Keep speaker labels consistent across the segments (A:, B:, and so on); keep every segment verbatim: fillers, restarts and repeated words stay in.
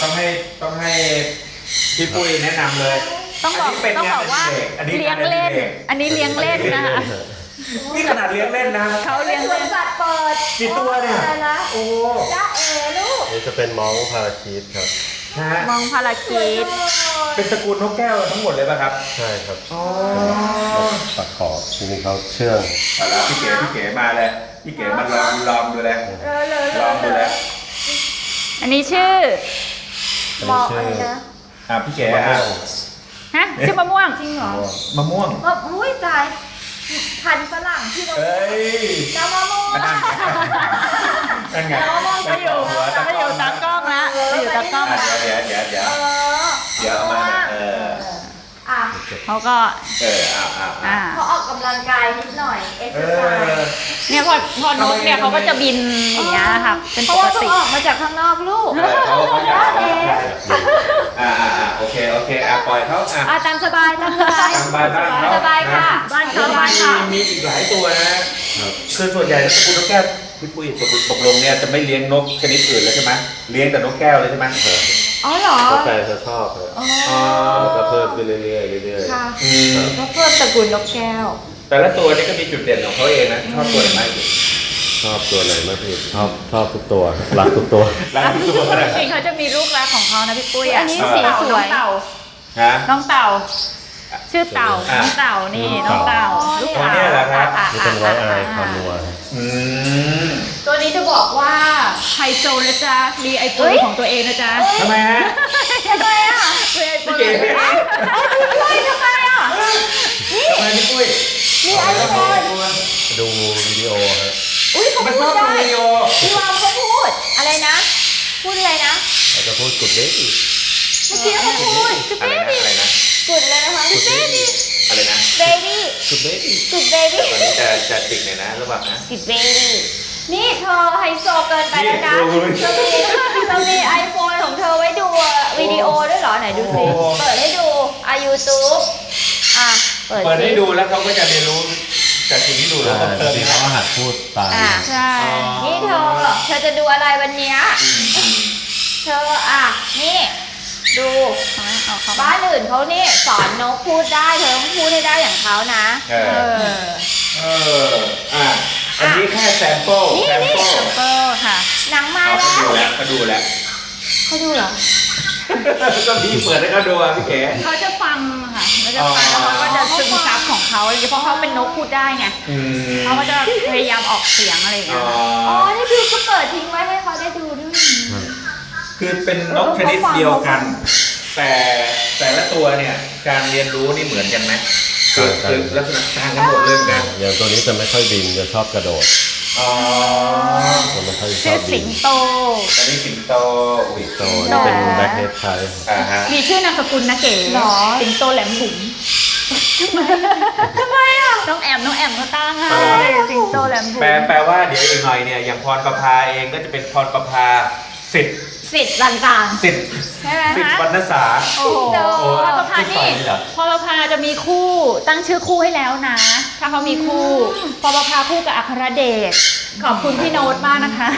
A: ต้องให้ต้องให้พี่ปุ้ยแนะนำเลย
B: ต้องบอกต้องบอกว่าเลี้ยงเล่นอันนี้เลี้ยงเล่นนะคะ
A: นี่ขนาดเลี้ยงเล่นนะ
B: เขาเลี้ยง
C: สวนสัตว์เปิด
A: กี่ตัวเนี่ยโอ้
C: จ้าเอ๋ลูก
D: นี่จะเป็นมองพาราคีตครับ
A: ฮะ
B: มองพาราคีต
A: เป็นตระกูลนกแก้วทั้งหมดเลยป่ะครับ
D: ใช่ครับ
A: อ๋อ
D: ปักขอบจริงๆเขาเชื่อง
A: เอาละพี่เก๋พี่เก๋มาเลยพี่เก๋มาลองลองดูเลย
C: เออเลย
A: ลองดูเลย
B: อันนี้ชื่อ
D: อัน
C: บ
D: นี้
C: อก
D: ชื่
C: อะ
D: อ
C: ไรนะ
A: อ่ะพี่เก๋อ่ะ
B: ฮะชื่อมะม่วง
C: จริงเหรอ
A: มะม่วง
C: ว่าอุ้ยตายพันธุ์ฝรั่งที่เรา
A: เอ้ย
C: น้ำมะม่วง
A: อันนั้นไงนั่นไง
B: มาอยู่มาอยู่ตากล้องละมาอยู่ตากล้อง
A: อ่ะ
B: ละ
A: เดี๋ยวเดี๋ยวเดี๋ยวเดี๋ยว
C: เออ
A: เดี๋ยวเอามาเออ
C: อ่ะ
B: เขาก็
A: เอออ่ะอ่ะอ่ะ
B: อ่า
C: เขาออกกำลังกายนิดหน่อยเอ็ก
A: เอ
C: ซ์ไซ
A: อ
C: ส์
B: เนี่ยพอพอนกเนี่ยเขาก็จะบินอย่างเงี้ยค่ะเป็น
C: เพ
B: ป
C: ราะ
B: ก
C: ว่าเพิ่
B: ติ
C: งออกมาจากข้างนอกลูก
A: เออเขาเขาอยาก
C: เอ๊ะ
A: อ่าอ่าอ่าโอเคโอเคอ่ะปล่อยเขาอ่ะ
C: อ่ะตามสบายตามสบาย
A: ตามบ้านบ้านเขา
C: สบายค่ะ
B: บ้านเขา
C: สบา
B: บ้าย น
A: มี
B: เขา
A: มีอีกหลายตัวนะคือส่วนใหญ่แล้วตระกูลนกแก้วพี่ปุ้ยตกตกลงเนี่ยจะไม่เลี้ยงนกชนิดอื่นแล้วใช่ไหมเลี้ยงแต่นกแก้วเลยใช่ไหม
C: อ๋อเหรอ
D: ก็แฟนเขาชอบครับ
C: อ๋อ
D: แล้วก็เพิ่มขึ้นเรื่อยๆเรื่อย
C: ค่ะ
A: อืม
C: ก็เพิ่มตระกูลนกแก้ว
A: แต่ละตัวนี่ก็มีจุดเด่นของเขาเองนะชอบตัวไหนมากที่สุด
D: ๆชอบตัวไหนมากที่สุดชอบชอบทุกตัวรักทุกตัว
A: รักทุกตัวนะ
B: จริงๆเขาจะมีลูกรักของเขานะพี่ปุ้ย
C: อันนี้สีสวย
B: น้องเต่า
A: ฮะ
B: น้องเต่า ชื่อเต่า
A: อ่ะ
B: น้องเต่านี่น้องเต่าลูก
A: อ๋อ
B: เต่า
A: เนี่ยเหรอครับ
B: อ่ะ
D: นี่เป็นไวท์ไอ
B: อ่ะ
D: คอนัวครับ
A: อืม
B: ตัวนี้จะบอกว่าไฮโซนะจ๊ะมีไอโฟนของตัวเองนะจ๊ะ
A: ทำไมฮะ
C: ทำไมอ่ะ
B: มีไอโฟ
A: พี่
B: น
A: เก๋
C: เฮ้ยทำไมอ่ะ
A: ทำไมพี่ปุ้ย
C: มีไอโฟน
D: ดูวิดีโอครับ
C: อุ้ยเขา
A: มัน
C: พู
A: ชอ
C: ด
A: บดู
C: ได้
A: วิดีโอ
C: พี่วาวเขาพูด อะไรนะ พูดอะไรนะ
D: เราจะพูดกุดเด็ก
C: เมื่อกี้เขาพูด
A: อะไรนะอะไรนะ
C: กุดอะไรนะคะกุดเบบี้
A: อะไรนะ
C: เบบี้
D: กุดเด็ก
C: กุดเบบี้
A: ตอนนี้จะจะติดเลยนะระหว่างนะ
C: กุดเบบี้นี่เธอไฮโซเกินไปแล้วนะ
A: นี่ดู
C: เธอมีเธอมีไอโฟนของเธอไว้ดูวิดีโอด้วยเหรอไหนดูสิ
A: โอ้
C: เปิดให้ดูอ่ะยูทูบอ่ะเปิด
A: เปิด
C: สิ
A: ให้ดูแล้วเขาก็จะเรียนรู้จากสิ่งที่ดูแล้ว
D: ใช่
A: เพิ่ม
D: จริ
A: เติ
D: ง
A: ม
D: ๆเขาก็หัดพูดตาม
C: อ่ะ
B: ใช่
C: นี่เธอ เธอจะดูอะไรวันเนี้ยเธออ่ะ นี่ ดู
B: เอาเขา
C: บ้านอื่นเขานี่สอนนกพูดได้ เธอต้องพูดให้ได้อย่างเขานะ
A: เอ
B: เอ
A: อ
B: อ
A: เอออ่ะอันนี้แค่แซมเปิล
C: นี่
A: แซม
C: นี่
A: เปิล
B: เปอร์ค่ะ
C: หนังมา
A: เขา
C: แล้ว
A: ดูแล้วเขาดูแล้ว
C: เขาดูเหรอ
A: ก็มีเปิดให้เขาดูอ่ะพี่เก๋
B: เขาจะฟังค่ะเขาจะฟังแล้วเขาก็จะซึมซับของเขาเลยเพราะเขาเป็นนกพูดได้ไง
A: อืม
B: เขาก็จะพยายามออกเสียงอะไรอย่าง
A: อ๋
B: เงี้
A: อย
C: อ๋อ นี่คือก็เปิดทิ้งไว้ให้เขาได้ดูด้วย
A: คือเป็นนกชนิดเดียวกัน แต่แต่ละตัวเนี่ยการเรียนรู้นี่เหมือนกันไหมคือคือลักษณะต่างกันหมดเลยเหมือนกัน
D: อย่างตัวนี้จะไม่ค่อยบินจะชอบกระโดด
A: อ๋อ
D: จะไม่ค่อยช
B: ชื่
D: อ
B: อบ
D: บิ
B: สิ
D: น
B: งโต
A: อันนี้สิงโตอุ้ย
D: โตนี่เป็นแบล็คเฮดไทย
A: อ่าฮะ
B: มีชื่อนามสกุลนะเก๋
C: หรอ
B: สิงโตแหลมบุ๋ม
C: ทำไมอ่ะ
B: น้องแอมน้องแอมเขาตั้งให้สิงโตแหลมบุ๋
A: แปล
B: ม
A: แปลว่าเดี๋ยวอีกหน่อยเนี่ยอย่างพรประภาเองก็จะเป็นพรประภาสิทธิ์
C: สิทธิ์ต่าง
A: สิทธิ์
C: ๆ ใช่ไหม
A: สิทธิ์วรรณสา
B: โอ้โห
C: สิงโต
B: พอประพา
A: ที่
B: นี่
A: ฝ่ายนี่เหรอ
B: พอประพาจะมีคู่ตั้งชื่อคู่ให้แล้วนะ ถ้าเขามีคู่พอประพาคู่กับอัครเดชขอบคุณพี่โน้ตมากนะคะ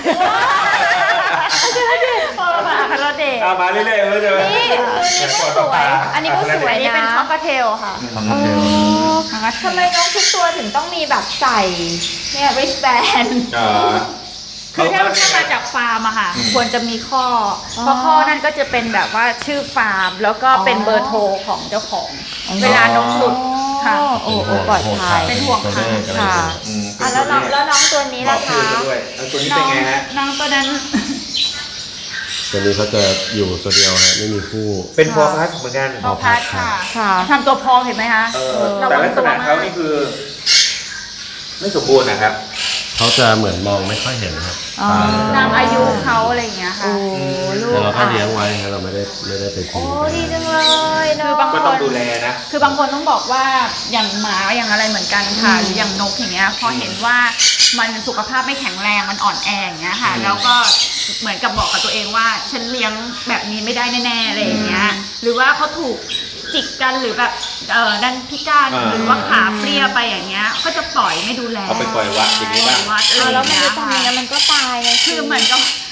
B: พอประพาอัครเดช
A: เอามาเรื่อยๆเลยใช่ไหม
C: นี่ตัวนี้ก็สวย อันนี้ก็สวย
B: อันนี้เป็น
C: นะ
B: คอกเทลค่ะ
D: ทำเทล
C: ทำไมน้องทุกตัวถึงต้องมีแบบใส่เนี่ย wristband
A: อ๋อ
B: คือถ้าถ้ามาจากฟาร์มอะค่ะ ควรจะมีข้อ เพราะข้อนั่นก็จะเป็นแบบว่าชื่อฟาร์ม แล้วก็เป็นเบอร์โทรของเจ้าของ เวลานกหลุดค่ะ
C: โอ้โอ้ปลอดภัย
B: เป็นห่วง
D: ตัวเลขอะไร
C: ค่ะ
D: อย่างเงี้ย
A: อืม
C: อ่ะแล้วน้องแล้วน้องตัวนี้
A: บอ
C: ล่ะ
A: กชื่อ
C: คะ
A: เขาด้วยแล้วตัวนี้
B: น้
A: เป็
B: อน ง
A: ไงฮะ
B: น้องตัวนั้น
D: ตัวนี้เขาจะอยู่ตัวเดียวฮะไม่มีคู่
A: เป็นฟอร์พัสเหมือนกัน
B: พอพัดค่ะ
C: ค่ะ
B: ทำตัวพองเห็นไหมคะ
A: เออแต่ลักษณะเขานี่คือ ไม่สมบูรณ์นะครับ
D: เขาจะเหมือนมองไม่ค่อยเห็นครับ
C: อ๋อ
D: ตา
B: ตามอายุเขาอะไรอย่างเงี้ยค่ะ
C: โอ้ลูก
D: แต่เราก็
C: อ่ะ
D: เลี้ยงไว้ครับเราไม่ได้ไม่ได้ไปทิ้
C: โอ้
D: งไป
C: ดีจังเลยเนาะ
B: คือบาง
A: ก็ต้องดูแลนะ
B: คือบางคนต้องบอกว่าอย่างหมาอย่างอะไรเหมือนกันค่ะหรืออย่างนกอย่างเงี้ยพอเห็นว่ามันสุขภาพไม่แข็งแรงมันอ่อนแออย่างเงี้ยค่ะ
A: อืม
B: แล้วก็เหมือนกับบอกกับตัวเองว่าฉันเลี้ยงแบบนี้ไม่ได้แน่ๆอะไรอย่างเงี้ยหรือว่าเขาถูกจิกกันหรือแบบเออดันพิการ
A: อ่า
B: หรือว่าขาเปรี้ยไปอย่างเงี้ยก็จะปล่อยไม่ดูแล
A: เอาไปปล่อยวัดอย่างนี้บ้าง
B: วัดอะไร
C: เอา
B: อ
C: แล้ว
B: ย่าง
C: มัน
B: เงี้ย
C: จะทำยังไง
B: ค่ะ
C: มันก็ตายไง
B: คือเหมือนกับ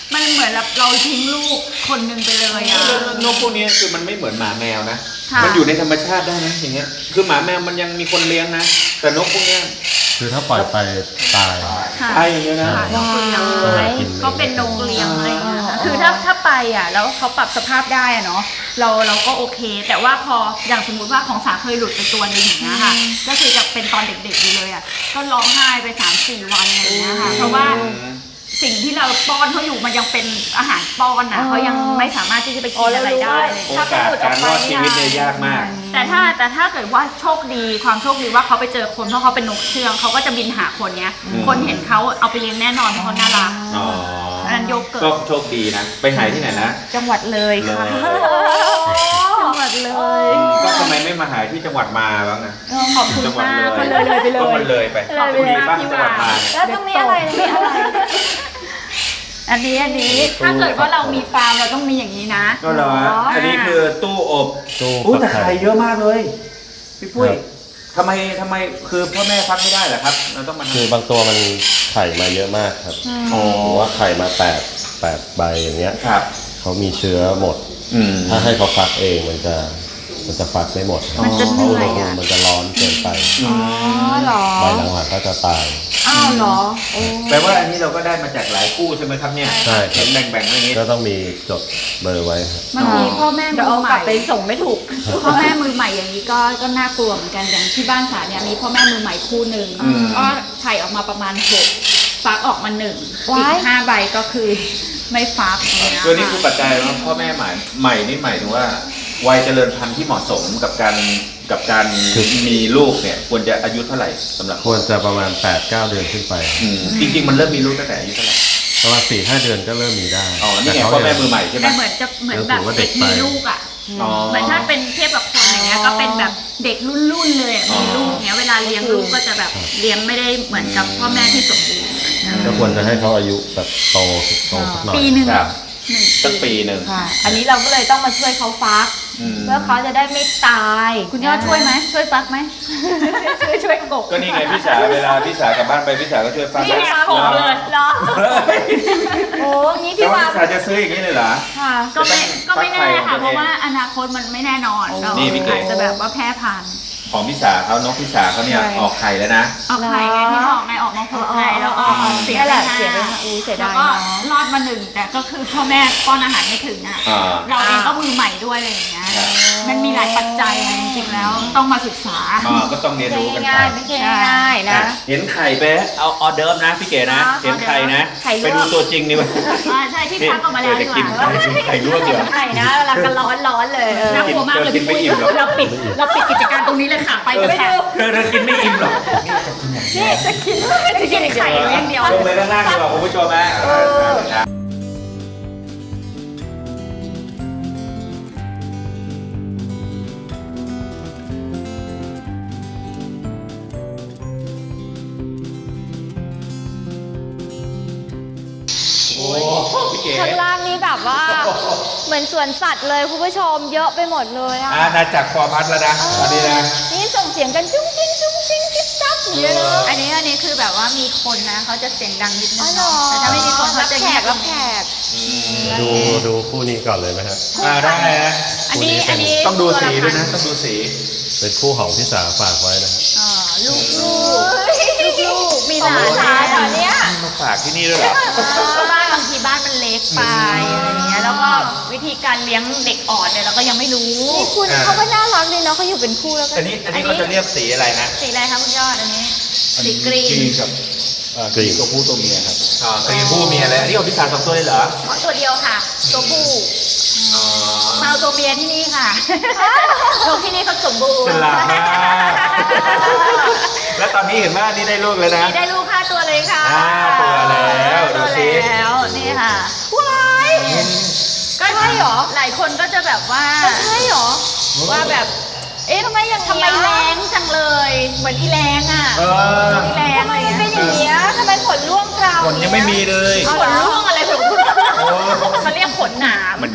B: มันเหมือนแบบเราทิ้งลูกคนหนึ่งไปเลยอะ
A: นกพวกนี้คือมันไม่เหมือนหมาแมวนะ
B: ค่ะ
A: มันอยู่ในธรรมชาติได้นะอย่างเงี้ย คือหมาแมวมันยังมีคนเลี้ยงนะ แต่นกพวกเนี้ย
D: คือถ้าปล่อยไปตาย
B: ค่ะ
A: ไอ้อย่างเงี้ยนะ
B: ค่ะนกเลี้ยง
D: ว้าย
B: ก็เป็นนกเลี้ยงอะไรอย่างเงี้ยค่ะคือถ้าถ้าไปอ่ะแล้วเขาปรับสภาพได้อะเนาะเราเราก็โอเค แต่ว่าพออย่างสมมุติว่าของสาเคยหลุดไปตัวหนึงอย่างเงี้ยค่ะก็คือจะเป็นตอนเด็กๆอยู่เลยอ่ะก็ร้องไห้ไปสามสี่วันอะไรอย่างเงี้ยค่ะเพราะว่าสิ่งที่เราป้อนเขาอยู่มันยังเป็นอาหารป้อนอ่ะเขายังไม่สามารถที่จะไปกินอะไรได้เลย
A: โอกาสการรอดชีวิตเนี่ยยากมาก
B: แต่ถ้าแต่ถ้าเกิดว่าโชคดีความโชคดีว่าเขาไปเจอคนเพราะเขาเป็นนกเชื่องเขาก็จะบินหาคนเนี้ย
A: อืม
B: คนเห็นเขาเอาไปเลี้ยงแน่นอนเพราะเขาน่ารัก
A: อ๋อ
B: อันนั้นโยเกิร์ต
A: ก็โชคดีนะ ไปหายที่ไหนนะ
B: จังหวัดเลยค่ะ
A: เลย
B: จังหวัดเลย
A: ก็ทำไมไม่มาหายที่จังหวัดมาบ้างนะ
B: ขอบคุณ
A: จังหวัด
B: มาก
A: เล
B: ก็
A: ย
B: เลยเลยไปเล
A: ก็
B: ย
A: มันเลยไป
B: ขอบคุณ
A: มี
B: มาก
A: บ้าง
B: ที่
A: จังหวัด
B: มา
A: มา
C: แล้วต้องมีอะไรมีอะไร
B: อันนี้อันนี้ถ้าเกิดว่าเรามีฟาร์มเราต้องมีอย่างนี้นะ
A: ก็เหรอ อันนี้คือตู้อบ
D: ตู้
A: อู้แต่
D: ฟัก
A: ไข่เยอะมากเลย พี่ปุ้ย
D: ครับ
A: ทำไมทำไมคือพ่อแม่ฟักไม่ได้เหรอครับ เราต้องมาทำ
D: คือบางตัวมันไข่มาเยอะมากครับ
A: อ๋อ
D: หรือว่าไข่มาแปดแปดใบอย่างเงี้ย
A: ครับ
D: เขามีเชื้อหมด
A: อืม
D: ถ้าให้เขาฟักเองมันจะมันจะฟักไม่หมด
B: มันจะเห
D: เพราะ
B: นื่
D: อุ
B: อ
D: ณห
B: ย
D: ภู
B: อ่ะ
D: มิมันจะร้อนเกินไป
A: อืม
C: อ๋อเหรอ
D: ใบหลังหักก็จะตาย
C: อ้าวเหรอโอ้
A: แปลว่าอันนี้เราก็ได้มาจากหลายคู่ใช่ไหมครับเนี่ย
D: ใช่ครับ
A: เห็นแบ่งๆอย่างนี้
D: ก็ต้องมีจดเบอร์ไว้ครับ
B: บางทีพ่อแม่มื
C: เดี๋ยว
B: อ
C: เอา
B: ให
C: กลั
B: ม่
C: บไปส่งไม่ถูก
B: พ่อแม่มือใหม่อย่างนี้ก็ก็น่ากลัวเหมือนกันอย่างที่บ้านสาเนี่ยมีพ่อแม่มือใหม่คู่หนึ่ง
A: อืม
B: ก็ไข่ออกมาประมาณหกฟักออกมาหนึ่งอี
C: ว้าย
B: กห้าใบก็คือไม่ฟักอย่างเงี้ย
A: ตัวนี้คือ
B: ค่ะ
A: ปัจจัยว่าพ่อแม่ใหม่ใหม่นี่หมายถึงว่าวัยเจริญพันธุ์ที่เหมาะสมกับการกับการมีลูกเนี่ยควรจะอายุเท่าไหร่สำหรับ
D: ควรจะประมาณ แปดเก้า เดือนขึ้นไป
A: อืมจริง ๆ มันเริ่มมีลูกตั้งแต่อายุเท่าไหร่
D: ประมาณ สี่ห้า เดือนก็เริ่มมีได้
A: อ๋อนี่ไง
D: ต่เขา
A: พ่อแม่
D: ยัง
A: มือใหม่ใช่ไหม
B: แต่เหมือนจะเหมือนแบบเด็กมีลูกอ่ะ
A: อ๋อ
B: เหมือนถ้าเป็นเทียบกับคนอย่างเงี้ยก็เป็นแบบเด็กรุ่นรุ่นๆเลยอะ
A: อ๋อ
B: มีลูกเนี้ยเวลาเลี้ยงลูกก็จะแบบเลี้ยงไม่ได้เหมือนกับพ่อแม่ที่สมบูรณ์
D: ก็ควรจะให้เขาอายุแบบโตโตสักหน่อย
B: ปีหนึ่ง
A: ครับ
B: หนึ่ง
A: สักปีหนึ่ง
C: ค่ะ อันนี้เราก็เลยต้องมาช่วยเขาฟัก
A: อืม
C: เพื่อเขาจะได้ไม่ตาย
B: คุณยอดช่วยไหมช่วยฟักไหม ช่วยช่วยกบ
A: ก็นี่ไงพี่สาวเวลาพี่สาวกลับบ้านไปพี่สาวก็ช่วยฟัง
B: นี่ไงกบเลย
C: เหรอ โอ้งี้
A: แต่
C: พี่
A: ว่า
C: ว่า
A: พี่สาวจะซื้ออย่างนี้เลยเหรอ
C: ค่ะ
B: ก็ไม่ก็ไม่แน่
A: ฟั
B: ค่ะ
A: กไข่ของตัวเอง
B: เพราะว่าอนาคตมันไม่แน่นอนเรา
A: นี่พี่เก๋
B: อาจจะแบบว่าแพร่พันธุ์
A: ของพี่สาวเขานกพี่สาวเขาเนี่ย
C: ใช่
A: ออกไข่แล้วนะ
B: ออกไข่ไงที่บอกไงออกมาหกไข่แล้วก็
C: อ๋อ
B: เสีย
C: นี่แหละ
B: ไป
C: เสียไป
B: ห้า
C: ห้าอู้เสีย
B: แล้
C: ดา
B: วย ก็
C: เนาะ
B: รอดมาหนึ่งแต่ก็คือพ่อแม่ป้อนอาหารไม่ถึงอ่ะ
A: อ่า
B: เราเองก็มือใหม่ด้วยอะไรอย่างเงี้ย
A: ครับ
B: มันมีหลายปัจจัยนะจริงๆแล้วต้องมาศึกษา
A: อ่าก็ต้องเรียน
C: ไม่
A: รู้กันไป
C: ง่ายไม่ใช่ง่ายนะ
A: เห็นไข่ไปเอาออเดิร์ฟนะพี่เก๋นะ
B: อ๋อ
A: เห็นไข่นะ
C: ไข่ลวก
A: ไปดูตัวจริงดีกว่า
B: อ่าใช่ที่พักออกมาแล้วดีกว่า
A: เดี๋ยวจะกินไข่ไข่ลวกเดี๋ยว
C: ไข่นะเวลากันร้อนร้อนๆเลยเออ
B: น่ากลัวมากเลย
A: กินไม่อิ่มหรอก
B: เราปิดเราปิดกิจการตรงนี้เลยค่ะไป
A: เอ
B: กั
A: อน
B: ค่ะ
A: เธอเธอกินไม่อิ่มหรอก
C: นี่จะกินจะกิน
B: ไข่อย่างเดียว
A: ลงไปด้านล่างดีกว่าคุณผู้ชมนะ โอ้พี่เก๋
C: ข้างล่างนี้แบบว่า เหมือนสวนสัตว์เลยคุณผู้ชมเยอะไปหมดเลยอ่ะ
A: อาณาจักรฟอร์พัสแล้วนะตอนนี้นะ
C: นี่ส่งเสียงกันจุ้งจิ้งจุ้งจิ้งจิ๊บจับอย่างเงี้ยเนอะ
B: อันนี้อันนี้คือแบบว่ามีคนนะเขาจะเสียงดังนิดนึ
C: อ๋อง เหรอ
B: แต่ถ้าไม่มีคนเขาจะ
C: แข
B: เงีย
C: ก
B: บ
C: รับแขก
D: ดูดูคู่นี้ก่อนเลยไหมฮะ
A: อ่าได้นะ
B: อันนี้อันนี้
A: ต้องดูสีด้วยนะ ต้องดูสี
D: เป็นคู่ของพี่สาฝากไว้นะฮะ
B: อ่าลูกลูกลูกมีหลาน
C: ของหลานเหรอเนี่ย
A: มาฝากที่นี่ด้วยเหรอ
B: บ้านบางทีบ้านมันเล็กไปอะไรอย่างเงี้ยแล้วก็วิธีการเลี้ยงเด็กอ่อนเนี่ยเราก็ยังไม่รู้
C: นี่คุณ
A: อ่า
C: เขาก็น่ารักดีเนาะเขาอยู่เป็นคู่แล้วก็
A: อันนี้อันนี้เขาจะเรียกสีอะไรนะ
B: สีอะไรคะคุณยอดอันนี้สีกรีน
A: กับ
D: กรีน
A: ตัวผู้ตัวเมียครับอ่ากรีนผู้เมียเลยอันนี้ของพี่สาวสองตัวเลยเหรอ
B: อ๋อตัวเดียวค่ะ ตัวผู้
A: อ๋อ
B: มาเอาตัวเมียที่นี่ค่ะลูกที่นี่เขาสมบูร
A: ฉ
B: ณ์
A: ลาดมากแล้วตอนนี้เห็นว่านี่ได้ลูกแล้วนะ
B: นี่ได้ลูกห้าตัวเลยค่ะ
A: ห้าตัวแล้วดู
B: ตัว
A: สิ
B: แล้วนี่ค่ะ
C: ว้าย
B: ก็
C: ใช่เหรอ
B: หลายคนก็จะแบบว่า
C: ใช่เหรอ
B: ว่าแบบ
C: เอ๊ะทำไมอย่าง
B: ทำไมแรงจังเลย เหมือนอีแรงอ่ะ
A: เออ
B: อีแรง
C: ทำไม
B: อะไร
C: มันเป็น
B: เงี้ย
C: อย่างเงี้ยทำไมขนร่วงคราว
A: ขนยังไม่มีเลย
B: ขนร่วงอะไรของคุณ
A: โอ้
B: เขาเรียกขนหนาม
A: มัน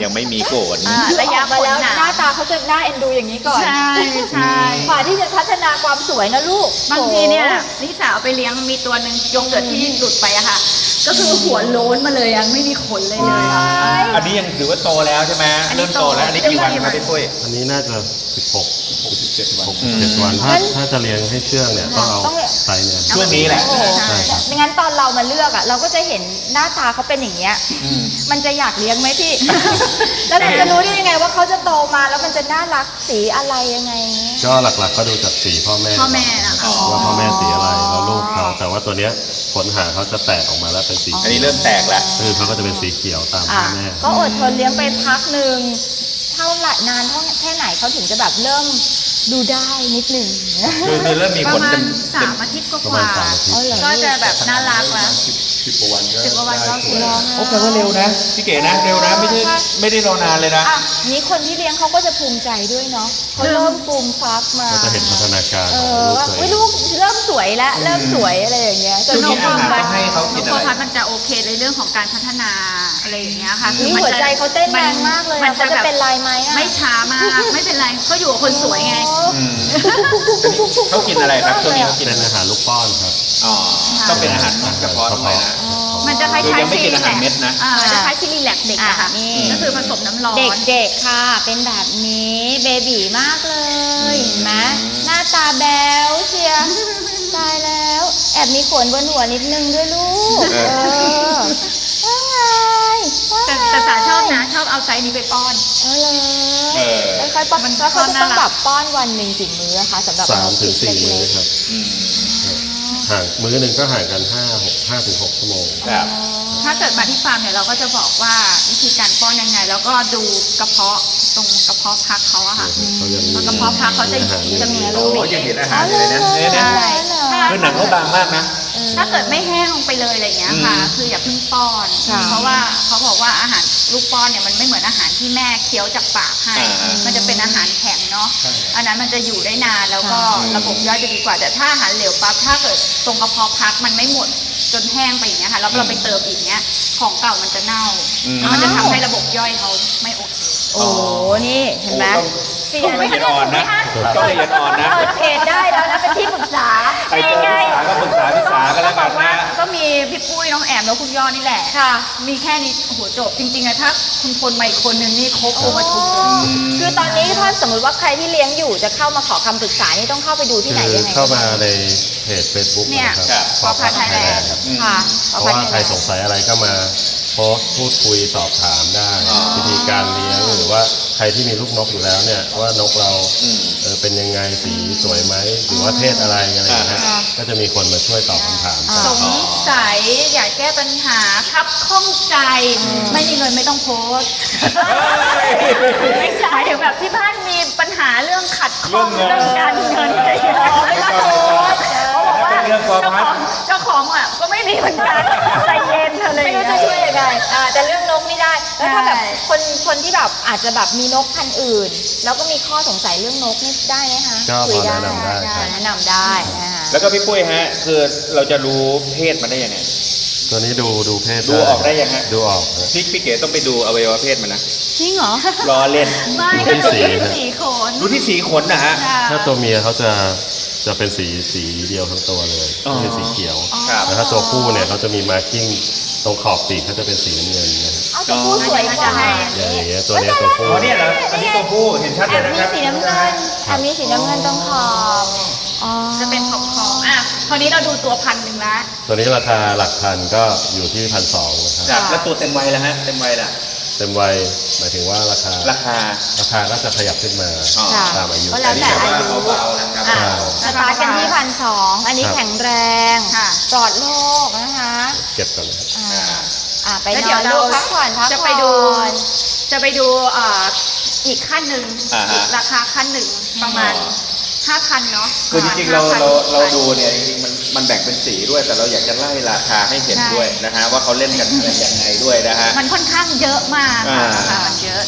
A: ยังไม่มีโกรธ
B: อ่าระยะ
C: มาแล้ว
B: ผลหนา
C: หน้าตาเขาจะน่าเอ็นดูอย่างนี้ก่อน
B: ใช่ใช่
C: กว่าที่จะพัฒนาความสวยนะลูก
B: บางทีเนี่ยนิสาเอาไปเลี้ยงมีตัวหนึ่งยกเกิดที่หลุดไปอะค่ะ ก็คือหัวโล้นมาเลยยังไม่มีขนเลยเลยอะ
A: อันนี้ยังถือว่าโตแล้วใช่ไหม
B: อันนี้
A: เริ่มโตแล้วอันนี้กี่วันครับพี่ปุ้ย
D: อันนี้น่าจะสิบหก
A: หกสิบเจ็ดวัน
D: หกสิบเจ็ดวันถ้าถ้าจะเลี้ยงให้เชื่องเนี่ยต้องเอาไซส์เนี่ย
A: ช่วงนี้แหละ
C: โอ้โห
D: ใช่ครับ
C: ไม่งั้นตอนเรามาเลือกอ่ะ เราก็จะเห็นหน้าตาเขาเป็นอย่างเงี้ย
A: อืม
C: มันจะอยากเลี้ยงไหมพี่ แล้วเราจะรู้ได้ยังไงว่าเขาจะโตมาแล้วมันจะน่ารักสีอะไรยังไง
D: ก็หลักๆก็ดูจากสีพ่อแม่
B: พ่อแม่นะคะ
D: ว่าพ่อแม่สีอะไรแล้วลูกเขาแต่ว่าตัวเนี้ยขนหางเขาจะแตกออกมาแล้วเป็นสี
A: อันนี้เริ่มแตกแล้ว
D: คือเขาก็จะเป็นสีเขียวตามพ่
C: อ่ะ
D: อแม่
C: ก็อดทนเลี้ยงไปพักหนึ่งเท่าไหร่นานเท่าแค่ไหนเขาถึงจะแบบเริ่มดูได้นิดหนึ่ง
A: คือคือเริ่มมี
B: ป
A: ข
B: ระ
A: น
B: มา
A: เต็
B: ณ
A: ม
B: สา
A: เต็ม
B: มอาทิตย์ก
D: ประ
B: ว่า
D: มาณสามอาทิตย์
C: อ๋อเหรอ
B: ๆก็จะแบบน่ารักแล้ว
E: สิบกว่าวันก็
B: สิบกว่าวันก็สวย
E: ได้
A: โอ้แปลว่าเร็วนะพี่เก๋นะเร็วนะไม่ใช่ไม่ได้รอนานเลยนะ
C: อ่ะนี้คนที่เลี้ยงเขาก็จะภูมิใจด้วยเนาะเขาเริ่มฟูมฟักมา
D: ก็จะเห็นพัฒนาการ
C: เอ
D: ของ
C: อ
D: ลูก
C: ว่า
D: ตัวเอ
C: อุ๊ย
D: ง
C: ลูกเริ่มสวยแล้วเริ่มสวยอะไรอย่างเงี้ย
A: ช่วงนี้อาหารต้องให้เขากิน
B: โค
A: อะไร
B: พัทมันจะโอเคในเรื่องของการพัฒนาอะไรอย่างเงี้ยค่ะ
C: นี่
B: มั
C: หัว
B: จะ
C: ใจเขาเต้นแรงมากเลย
B: มั
C: อะ
B: น
C: เขา
B: จะ
C: จะ
B: แบบ
C: เป็นลายไหมอะ
B: ไม่ช้ามากไม่เป็นไรก็อยู่กับคนสวยไง
A: อืมเขากินอะไรครับช่วงนี้เขากิน
D: เป็น
A: อะไร
D: อาหารลูกป้อนครับ
A: อ๋อต้องเป็นอาหารเฉพาะด้วยนะ
B: มันจะคล้ายๆ
A: ยังไม่กินอาหารเม็ดนะ
B: อ่าจะคล้ายซิลิแลกเด็กอะค่ะ
C: อ่ะนี่
B: ก็คือผสมน้ำร้อน
C: เด็กๆค่ะ เป็นแบบนี้เบบีมากเลยเห็นไหมหน้าตาแบ๊วเชียร์ตายแล้ว แอบมีขนบนหัวนิดนึงด้วยลูก
A: เอ
C: เอ
A: อ
C: อว่าไงว่า
B: แต่
C: ไง
B: แต่สาชอบนะชอบเอาไซส์นี้ไปป้อน
C: เออ
A: เออ
C: เลยค่อยๆป้อน
B: มัน
C: แล้วเขาจะต้อง
B: น่ารัก
C: แบบป้อนวันหนึ่งกี่มื้ออะคะสำหรับ
D: สามถึงสี่
C: เล็
D: มื้อก ครับ
A: อืม
D: ห่างมื้อหนึ่งก็ห่างกันห้าหกห้าถึงหกชั่วโมง
A: ครับ
B: ถ้าเกิดมาที่ฟาร์มเนี่ยเราก็จะบอกว่าวิธีการป้อนยังไง แล้วก็ดูกระเพาะตรงกระเพาะพักเขาอะค่ะ
D: เขายังมี
B: กระเพาะพักเขาจะ
D: อาหาร
B: จะมี
A: โอ้ยังเห็นอาหารอยู่เลยนะเนี่ย
B: ใช่
A: นะ
B: ถ้า
A: คือหนังเขาบางมากนะ
B: ถ้าเกิดไม่แห้งลงไปเลยอะไรอย่างเงี้ยค่ะ
A: อืม
B: คืออย่าเพิ่งป้อน
C: ค่ะ
B: เพราะว่าเขาบอกว่าอาหารลูกป้อนเนี่ยมันไม่เหมือนอาหารที่แม่เคี้ยวจากปากให้
A: อ่า
B: มันจะเป็นอาหารแข็งเนาะ อันนั้นมันจะอยู่ได้นานแล้วก็ระบบย่อยจะดีกว่า แต่ถ้าอาหารเหลวปั๊บถ้าเกิดตรงกระเพาะพักมันไม่หมดจนแห้งไปอย่างเงี้ยค่ะแล้วเราไปเติมอีกเงี้ยของเก่ามันจะเน่า
A: อืม
B: แล้วมันจะทำให้ระบบย่อยเขาไม่โอเค
C: โอ้โหนี่เห็นไหม
A: โอ้ต้องต้องละเอียดอ่อนนะต้องละเอียดอ่อนนะ
C: เปิดเพจได้แล้วนะเป็นที่ปรึกษา
A: ใครเจอพี่สาก็ปรึกษาพี่สากันแล้วกันนะ
B: ก็มีพี่ปุ้ยน้องแอมแล้วคุณยอดนี่แหละ
C: ค่ะ
B: มีแค่นี้โอ้โหจบจริงๆอะถ้าคุณพลมาอีกคนนึงนี่ครบองค์ประชุมเลย
C: คือตอนนี้ถ้าสมมติว่าใครที่เลี้ยงอยู่จะเข้ามาขอคำปรึกษานี่ต้องเข้าไปดูที่ไหน
D: คือ
C: ยังไง
D: เข้ามาในเพจ Facebook
B: เนี่ย
D: นะครับ
B: พอพัฒน์ไทยแลนด์
D: ครับ
C: ค่ะ
D: เพราะว่าใครสงสัยอะไรก็มาโพสต์พูดคุยสอบถามได้
A: อ๋อ
D: วิธีการเลี้ยงหรือว่าใครที่มีลูกนกอยู่แล้วเนี่ยว่านกเรา
A: อืม
D: เออเป็นยังไงสีสวยไหมหรือว่าเพศอะไรอะไรอย่างเงี้ย
A: อ่า
D: ก็จะมีคนมาช่วยตอบคำถามกัน
B: สงสัยอยากแก้ปัญหาครับข้องใจ ไม่มีเงินไม่ต้องโพสต์ไม่ใช่ถึงแบบที่บ้านมีปัญหาเรื่องขัดข้อง
A: เรื่
B: เรื่
A: อ
B: อง ง
A: เงิน
B: การเงินอะไรอย่างเงี้ยไม่ต้องโพสต์เขาบอกว่า
A: เป็นเรื่องกอ
B: เจ้า
A: พั
B: ข
A: ด
B: องเจ้าของอ่ะก็ไม่มีเหมือนกันใจเย็นเธอเลย
C: ไม่รู้จะช่วยยังไงอ่าแต่เรื่องนกนี่ได้ แล้วถ้าแบบคนคนที่แบบอาจจะแบบมีนกพันธุ์อื่น แล้วก็มีข้อสงสัยเรื่องนกนี่ได้ไหมคะ
D: ก็
C: คุ
D: พ
C: ย
D: อ
C: ได้
D: แนะนำได้ครับ
C: แนะนำได้นะคะ
A: แล้วก็พี่ปุ้ยฮะ คือเราจะรู้เพศมันได้ยังไง
D: ตัวนี้ดูดูเพศ
A: ดูออกได้ยังฮะ
D: ดูออกฮะ
A: พี่พี่เก๋ต้องไปดูอวัยวะเพศมันนะ
B: จริงเหรอ
A: รอเล่น
B: ไม่
D: ดู
B: ก็
D: ที่
B: ดู
D: สี
B: ที่
D: นะ
B: สีขน
A: ดูที่สีขนนะฮะ
D: ถ้าตัวเมียเขาจะจะเป็นสีสีเดียวทั้งตัวเลย
A: อ๋อ
D: คือสีเขียว
A: ครับ
D: แต่ถ้าตัวผู้เนี่ยเขาจะมีมาร์กิ้งตรงขอบปีกเขาจะเป็นสีน้ำเงินนะครับ
C: เอาตัวผู้สวยกว่า
D: อย่างเงี้ยตัวเนี้ยตัวผู้
A: อ๋อเนี่ยเหรออันนี้ตัวผู้เห็นชัด
C: แอ
A: เลย
C: บ
A: นะ
C: มี
A: ครับ
C: สีน้ำเงินแอบมีสีน้ำเงินตรงขอบอ๋อ
B: จะเป็นขอบขอบอ่ะคราวนี้เราดูตัวพันหนึ่งละ
D: ตัวนี้ราคาหลักพันก็อยู่ที่พันสองนะครับ
A: ครับแล้วตัวเต็มวัยแล้วฮะ เต็มวัยล่ะ
D: เต็มวัยหมายถึงว่าราคา
A: ราคา
D: ราคาก็จะขยับขึ้นมา
A: อ๋อ
C: ค่ะ
D: ตามอายุ
C: ก็แล้วแต่อายุ
A: เบาๆนะครับ
C: อ่ะสตาร์ทกันที่พันสองอันนี้
D: ครับ
C: แข็งแรง
B: ค่ะ
C: ปลอดโรคนะคะ
D: เก็บก่อนนะครับ
C: อ่าอ่าไป
B: แล้ว
C: น
B: เดี๋
C: อย
B: วน เรา
C: ลูกพักผ่อนพักผ่อน
B: จะไปดู จะไปดูเอ่ออีกขั้นหนึ่ง
A: อ่าฮะ
B: อีกราคาขั้นหนึ่งประมาณห้าพันเนาะ
A: คือจริงๆเรา
B: ห้พัน
A: เราเราดูเนี่ยจริงๆมันมันแบ่งเป็นสีด้วย แต่เราอยากจะไล่ราคาให้เห็นด้วยนะฮะว่าเขาเล่นกันอะไรยังไงด้วยนะฮะ
B: มันค่อนข้างเยอะมากค่ะ
A: อ่า
B: ราคามันเยอะ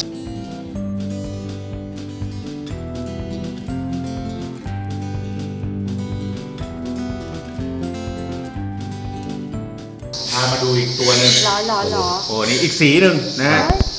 A: พามาดูอีกตัวหนึ่ง
C: หรอหรอหรอ
A: โอ้นี่อีกสีหนึ่งนะฮะ
C: เ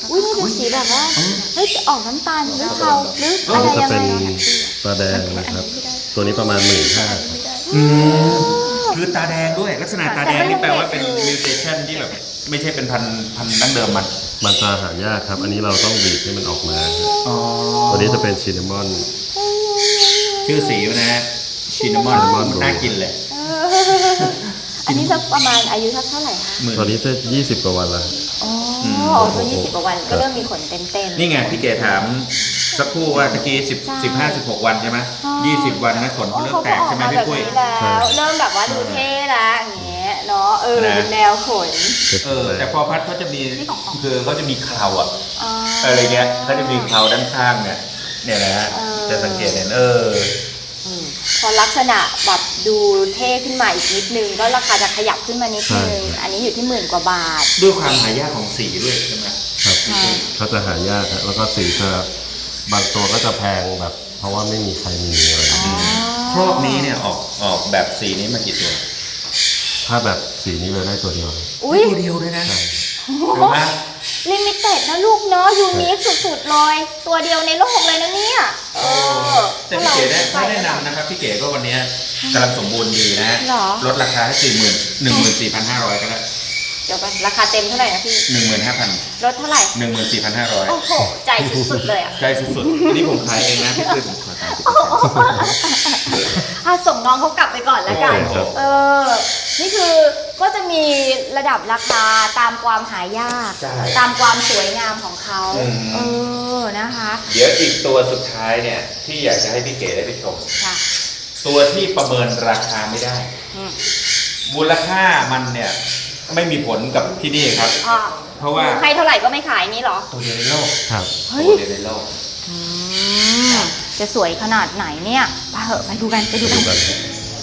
C: อุ้ยนี่เป็นสีแบบว่าเฮ้ยออกน้ำตาลหรือเทาหรือ
D: อั
C: อะ
D: น
C: ไร
D: นี้จะ
C: ยัง
D: เป็
C: ไง
D: นตาแดงนะครับ ตัวนี้ประมาณหมื่นห้า
A: อืมคือตาแดงด้วยลักษณะตาแดงนี่แปลว่าเป็นมิวเทชันที่แบบไม่ใช่เป็นพันธุ์พันธุ์ดั้งเดิมมัน
D: มันจะหายากครับ อันนี้เราต้องบีบให้มันออกมา
A: อ๋อ
D: ตัวนี้จะเป็นชินนามอน
A: ชื่อสีมันนะชินนามอน
D: Cinnamon
A: น่ากินเลย
C: เอออันนี้สักประมาณอายุสักเท่าไหร่คะ
A: หมื่น
D: ตัวนี้จะยี่สิบกว่าวันแล้ว
C: อ๋อ
A: ม
C: ตัวยี่สิบกว่าวันก็เริ่มมีขนเต็มๆ
A: นี่ไงพี่เก๋ถามสักครู่ว่าตะกี้สิบ
C: ใช่
A: สิบห้าสิบหกวันใช่ไหมยี่สิบวันนะขนเขาเริ่มแตกใช่ไหม
C: เขา
A: พี่
C: ก็ออก
A: ปุ้ย
C: มาแบบนี้แล้ว เริ่มแบบว่าดูเท่ละอย่างเงี้ยเนาะเออ
A: นะ
C: เป็นแนวขน
A: เออแต่พอพัดเขาจะมีคือเขาจะมีเคราอ่ะ
C: อ๋อ
A: อะไรเงี้ยเขาจะมีเคราด้านข้างเนี่ยเนี่ยนะฮะ
C: เออ
A: จะสังเกตเห็นเออ
C: อืมพอลักษณะแบบดูเท่ขึ้นมาอีกนิดนึงก็ราคาจะขยับขึ้นมานิดนึง
D: ใช่
C: อันนี้อยู่ที่หมื่นกว่าบาท
A: ด้วยความหายากของสีด้วยใช่ไหม
D: ครับ
C: ค่ะ
D: เขาจะหายากครับแล้วก็สีจะบางตัวก็จะแพงแบบ เพราะว่าไม่มีใครมีอะไรอย่างเงี้ย
A: ครอบนี้เนี่ยออกออกแบบสีนี้มากี่ตัว
D: ถ้าแบบสีนี้เลยได้ตัวเดียว
C: อุ้ย
A: ตัวเดียวด้วยนะ
D: ใช่
A: เห็นไหม
C: ลิมิเต็ดนะลูกเนาะยูนิคสุดๆเลย ตัวเดียวในโลกเลยนะเนี่ยเออ
A: แต่พี่เก๋ได้ถ้าแนะนำนะครับพี่เก๋ก็วันนี้กำลังสมบูรณ์ดีนะ
C: หรอ
A: ลดราคาให้สี่หมื่นหนึ่งหมื่นสี่พันห้าร้อยก็ได้
C: เดี๋ยวกันราคาเต็มเท่าไหร่นะพี่
A: หนึ่งหมื่นห้าพัน
C: ลดเท่าไหร่
A: หนึ่งหมื่นสี่พันห้าร้อย
C: โอ้โห ใจสุดๆเลยอ่ะ
A: ใกล้สุดๆอันนี้ผมขายเองนะพี่ปุ้ยผมขายตามที่
C: อ่ะส่งน้องเขากลับไปก่อนแล้วกัน
A: โอ้ครับ
C: เออ นี่คือก็จะมีระดับราคาตามความหายาก
A: ใช่
C: ตามความสวยงามของเขา
A: อืม
C: เออ นะคะ
A: เดี๋ยวอีกตัวสุดท้ายเนี่ยที่อยากจะให้พี่เก๋ได้ไปชม
C: ค่ะ
A: ตัวที่ประเมินราคาไม่ได้
C: อืม
A: มูลค่ามันเนี่ยไม่มีผลกับที่นี่ครับ
C: อ่ะ
A: เพราะว่า
C: ให้เท่าไหร่ก็ไม่ขายนี่เหรอ
A: ตัวเดียวในโลก
D: ครับ
C: เฮ้ย
A: ตัวเดียวในโลก
C: อืม จะสวยขนาดไหนเนี่ยไปเหอะไปดูกันไปดู
D: ดู
C: กัน
D: กัน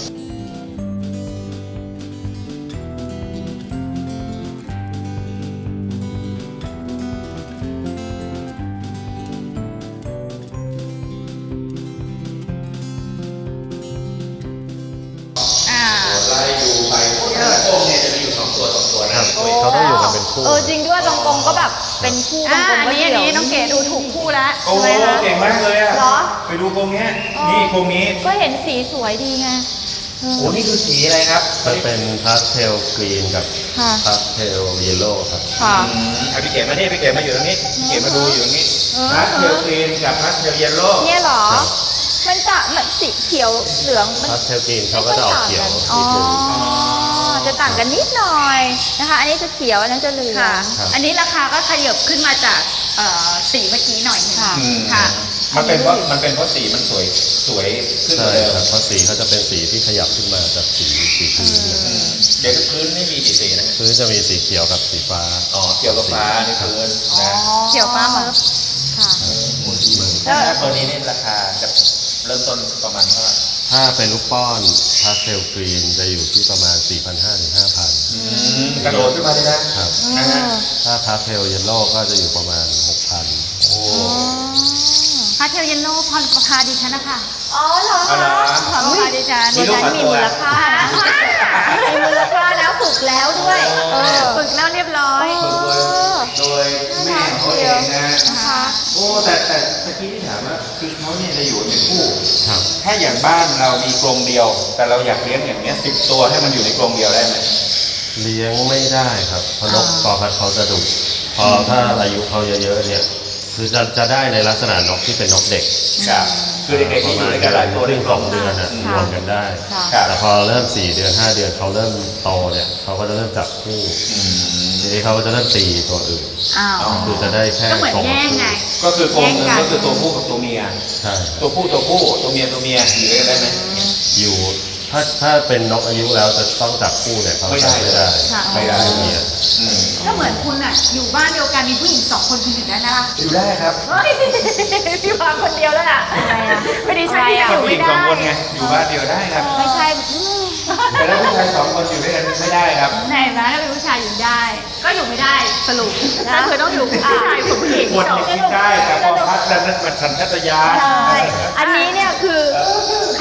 B: อ่า
A: ไล่ดูไปพวกแต่ละกรงเนี่ยจะมีอยู่สองตัวสองตัวนะครับ
D: เขาต้องอยู่กันเป็นคู่
C: เออจริงด้วยบางกงก็แบบเป็นคู่บา
B: อ่าง
C: กง
B: อัน
C: ก็
B: นี้
C: เดี่
B: อัน
C: ยว
B: นี้น้องเก๋ดูถูกคู่แล้ว
A: โอ้
B: ใช่ไหมคะ
A: เก่งมากเลยอ่ะ
C: เหรอ
A: ไปดูกรงเนี้ยนี่กรงนี้
C: ก็เห็นสีสวยดีไงเออ
A: โอ้นี่คือสีอะไรครับ
D: จะเป็นพาสเทลกรีนกับ
C: ค่ะ
D: พาสเทลเยลโล่ครับ
C: ค่ะ
A: อืมเอาพี่เก๋มานี่พี่เก๋มาอยู่ตรงนี้พี่เก๋มาดูอยู่ตรงนี้
C: เออ
A: พาสเทลกรีนกับพาสเทลเยลโล่
C: เนี่ยเหรอ
D: ครับ
C: มันจะมันสีเขียวเหลืองมัน
D: พาสเทลกรีนเขาก็จะออกเขียว
C: อ๋อ
D: นิดนึง
C: จะต่างกันนิดหน่อยนะคะ อันนี้จะเขียวอันนั้นจะเหลือง
B: ค่ะ
D: ครับ
B: อันนี้ราคาก็ขยับขึ้นมาจากเอ่อสีเมื่อกี้หน่อยหนึง
C: ค่ะ
A: อืม
B: ค่ะ
A: มันเป็นเพราะมันเป็นเพราะสีมันสวยสวยขึ้นก
D: ใช่
A: ว่าเดิม
D: ครับเพราะสีเขาจะเป็นสีที่ขยับขึ้นมาจากสีสีพื้นเนี่ย
A: อืมเดี๋ยวพื้นนี่มีกี่สีนะ
D: พื้นจะมีสีเขียวกับสีฟ้า
A: อ๋อเกี่ยวกับฟ้านี่พื้น
C: อ๋อ
A: นะ
B: เขียวฟ้าเมิร์ฟ
C: ค่ะ
A: ถ้าตัวนี้นี่ราคาจะเริ่มต้นประมาณเท่าไหร่
D: ถ้าเป็นลูกป้อนพาสเทลกรีนจะอยู่ที่ประมาณ สี่พันห้าร้อย ถึง ห้าพัน
A: กระโดดขึ้นมาเลยนะครับ นะฮะ
D: ถ้าพาสเทลเยลโล่ก็จะอยู่ประมาณ หกพัน
A: โอ้
B: พาเทลเยลโล่พรประพาดิฉันนะคะ
C: อ๋อเหรอ
A: เอาละ
B: พรประพาดิฉัน
A: มี
C: ดิ
A: ลูก
C: ฉัน
A: ขอ
C: มี
A: ตัว
C: มูลค่านะมีมูลค่านะฝึกแล้วด้วย เออ
B: ฝึกแล้วเรียบร้อย
A: ฝึกโดยโดยแม่ของเขาเองนะ
C: นะคะ
A: โอ้แต่แต่ตะกี้ที่ถามว่าคือเขาเนี่ยจะอยู่ในคู่
D: ครับ
A: ถ้าอย่างบ้านเรามีกรงเดียว แต่เราอยากเลี้ยงอย่างเนี้ยสิบตัวให้มันอยู่ในกรงเดียวได้ไหม
D: เลี้ยงไม่ได้ครับเพราะนกปอพัดเขาจะดุพอถ้าอายุเขาเยอะๆเนี่ย คือจะจะได้ในลักษณะนกที่เป็นนกเด็ก
A: ครับคือเด็กๆที่อยู่ในกันหลายตัว
D: ค
A: ใน
D: รึ่ง
A: ก
D: ส
A: ร
D: อง งเดือนอ่ะ
C: ค่ะ
D: รวมกันได้
C: ค่ะ
A: ครับ
D: แต่พอเริ่มสี่เดือนห้าเดือนเขาเริ่มโตเนี่ยเขาก็จะเริ่มจับคู่
A: อืม
D: ทีนี้เขาก็จะเริ่มตีตัวอื่น
C: อ้าว
A: อ๋อ
D: คือจะได้แค่
B: ก็เหมือน
D: สอง
B: แย่งไง
A: ก็คือกรงหนึง
B: แยกกัน
A: ก็คือตัวผู้กับตัวเมีย
D: ใช่
A: ตัวผู้ตัวผู้ตัวเมียตัวเมียอยู่ด้วยกันได้ไหม
D: อยู่ถ้าถ้าเป็นนกอายุแล้วจะต้องจับคู่เนี่ยเขา
A: ไม่ได้
D: จับไม่ได้
B: ค่ะ
A: ไม่ได้
D: ไม่มีอะ
A: อืม
B: ก็เหมือนคุณอ่ะ อยู่บ้านเดียวกันมีผู้หญิงสองคนคุณอยู่ได้นะคะ
A: อยู่ได้ครับ
B: เฮ้ยพี่วางคนเดียวแล้วล่ะ
C: อะไรอ่ะ
B: ไม่ได้ใช่
C: อะไร
B: ที่
C: อ่ะ
B: อยู่
A: ผู้ห
B: ไม่
A: ญิง
B: ได้
A: สองคนไงอยู่บ้านเดียวได้ครับ
C: ไม่ใช่อืม
A: แต่ถ้าผู้ชายสองคนอยู่ด้วยกันไม่ได้ครับ
B: ไหนนะถ้าเป็นผู้ชายอยู่ได้ ก็อยู่ไม่ได้สรุปก็คือต้องอยู่ผู้ชายกับผู้หญิง
A: คน
B: สอง
A: คิดได้แต่พอพัดแล้วนั่นมันสัญชาตญาณ
C: ใช่ อันนี้เนี่ยคือข